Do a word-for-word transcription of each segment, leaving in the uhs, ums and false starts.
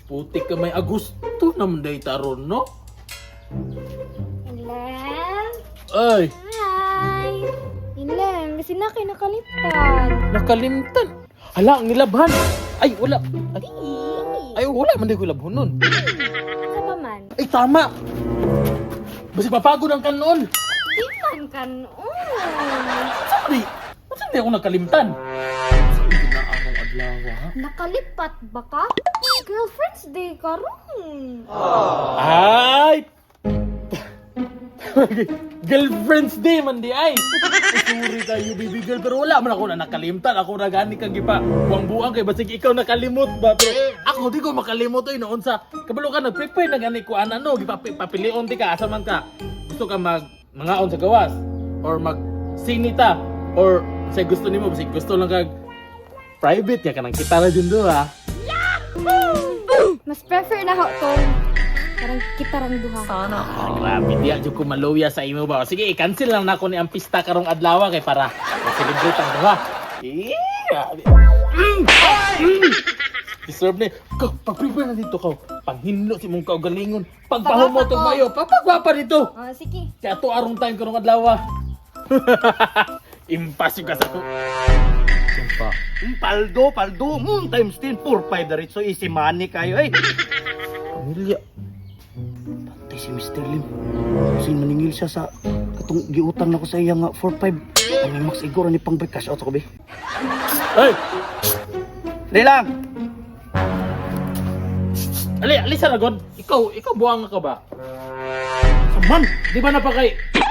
Putik ka may Agusto naman day taron, no? Ilan? Ay, Hi! Ilan? Kasi na kayo nakalimutan. nakalimtan. Hala, ang nilabhan. Ay, wala. Ay, ay wala man day ko labhon nun. Sa pa man? Ay, tama. Basi papagod ang kanon. Di man kanon. Sorry. Basi hindi ako nakalimtan. Sige na araw-adlaw, ha? Nakalipat ba ka? Girlfriend's Day karon. Ay! Girlfriend's Day man di ay. Sorry kayo, baby girl, pero wala man ako na nakalimtan. Ako na gani kang gipa. Buang-buang kay basig ikaw nakalimot ba? Pero ako di ko makalimot oy noon sa kabalo ka nag-prepare na gani ko ana no, gipapilion ti ka asa man ka. Gusto ka mag mangaon sa gawas or mag sinita or say gusto nimo basig gusto lang kag private ya kanang kita ra jud do ha. Mas prefer na ako tong parang kita rang duha. Sana. Ah, grabe diya jud ko maluya sa imo ba. Sige, i-cancel lang nako ni ang pista karong adlaw kay para ma-celebrate ang duha. Eh, grabe. Mm! Mm! Deserve ni. Ka, pag-prepare na dito ka. Panghinlo si mong kaugalingon. Pagpahumo tong mayo, papagwapa dito. Ah, sige. Kaya to arong time karong adlaw. Impas yung kasa ko. Impa. Mm, paldo, paldo. Mm, times ten, four, five na rin. So, easy money kayo. Ay, Pamilya. patay si mister Lim. Kasi maningil siya sa katong giutang na ko sa iya nga four, five. Ay, may max igor ni pang break cash out ako, be. Hey! Dali lang. Ali, alisa na god. Ikaw, ikaw buwang ka ba? Saman. Di ba napakay...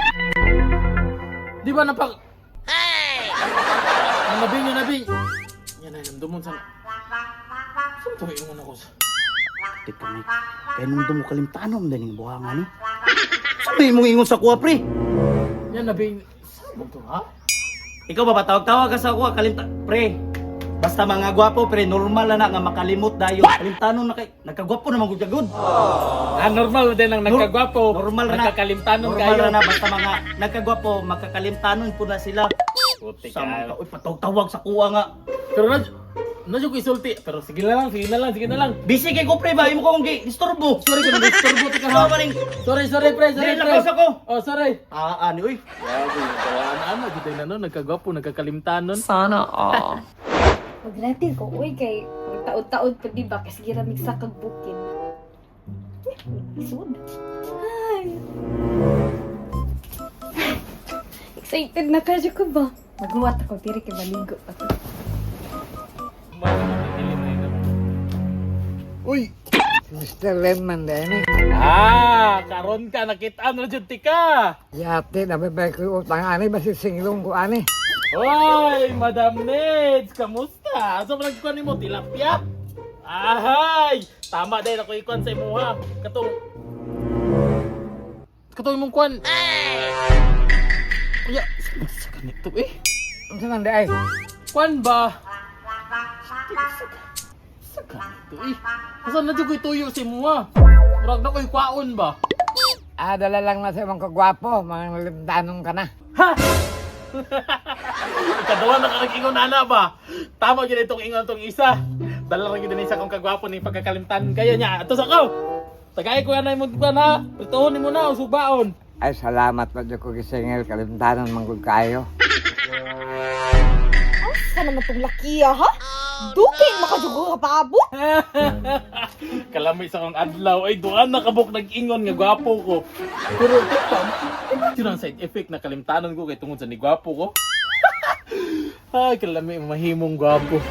Di ba napak... Hey! Nabing yun, nabing. Yan ay, namdumon sa... Saan ito ingon ako sa... Teka, may. Kaya nung dumo kalimtanom, daling buhangan ni. Sabi mong ingon sa kuha, pre. Yan, nabing... Saan mo ito, ha? Ikaw ba, tawag-tawag ka sa kuha, kalimta... Pre, basta mga gwapo, pre, normal na na nga makalimot dayo. Kalimtanon na kay... Nagkagwapo naman gud jagod. Ah, normal din ang nagkagwapo. Normal na. Nagkakalimtanon Normal kayo. na na, basta mga nagkagwapo, makakalimtanon po na sila. Puti Sama ka. ka, uy, patawag sa kuha nga. Pero na... Nadyo ko isulti. Pero sige na lang, sige na lang, sige na lang. Busy kay ko, pre, ba? Imo ko kong disturbo. Sorry ko, nag-disturbo ka Ikaw ha. ba rin? Sorry, sorry, pre, sorry, Dili, pre. lakas ako. Oh, sorry. Ah, ani, uy. Grabe, tawaan ano, dito na no, nagkagwapo, nagkakalimtanon. Sana all. Maglatin ko, uy, kay taod-taod pa di ba? Kasi giramig sa kagbukin. Isod. Ay. Excited na ka ko ba? Maghuwat ako, tiri kay maligo pa to. Uy! mister Lemon din eh. Ah, karon ka nakita na jud tika. Yate, nabibay ko utang ani, basi singlong ko ani. Hoy, Madam Neds, kamusta? Asa man nagkuan nimo tilapia? Ahay, tama din ako ikuan sa imuha. Katong Katong imong kuan. Kuya, sa ganito eh. Ano man di ay? Kuan ba? Sa ganito eh. Asa na jud ko ituyo sa imuha? Murag na ko'y kwaon ba? Ah, dala lang na sa mga kagwapo, mga limtanong ka na. Ha? Ikadawa na ka nag-ingon ana ba? Tama yun itong ingon itong isa. Dala rin yun isa kong kagwapo ni pagkakalimtan kaya niya. Ito sa kaw. Tagay ko yan na yung magkuhan ha. Prituhon mo na o subaon. Ay, salamat pa dyan ko gisingil, kalimtanon manggul kayo. Asa naman tong lakiya, ha? Dugay makadugo ka paabot. Kalami sa kong adlaw. Ay, doon na kabuk nag-ingon nga gwapo ko. Pero ito pa, ito ang side effect na kalimtanon ko kay tungod sa ni gwapo ko. Ay, kalami mahimong gwapo.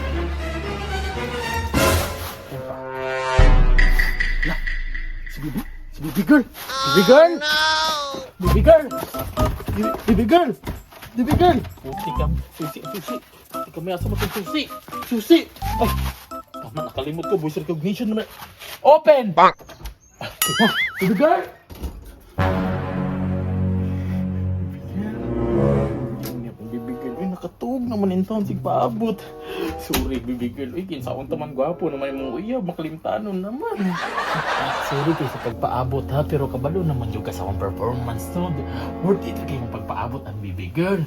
La, si Bibi, si Bibi girl. Bibi girl. Bibi girl. Bibi- Bibi girl. Bibi girl. Susi ka, susi, susi. Susi ka, may asa mo itong susi. Susi. Ay, tama, nakalimot ko. Voice recognition naman. Open! Bang! Bibi girl. Bibi girl. Uy, nakatuog naman in town. Sige paabot. Sorry, Bibi girl. Uy, kinsaon taman gwapo naman yung uyab. Makalimtanon naman. Sorry kayo sa pagpaabot ha. Pero kabalo naman yung kasawang performance no. Worth it kayo yung pagpaabot ang Bibi girl.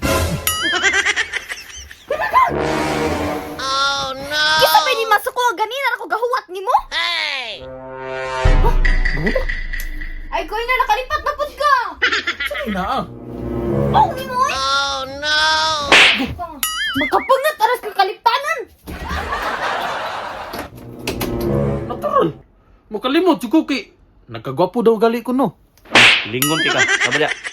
Kisa pa ni masuko ganina ako gahuwat nimo? Hey! Gula? Ay, koy na, nakalipat na pud ka! Sige na ah. Oh, ni mo eh! Oh, no! Makapungat, aras ka kaliptanan! Natural. Mo kalimot, si Cookie. Nagkagwapo daw gali ko no. Lingon ka, kabala.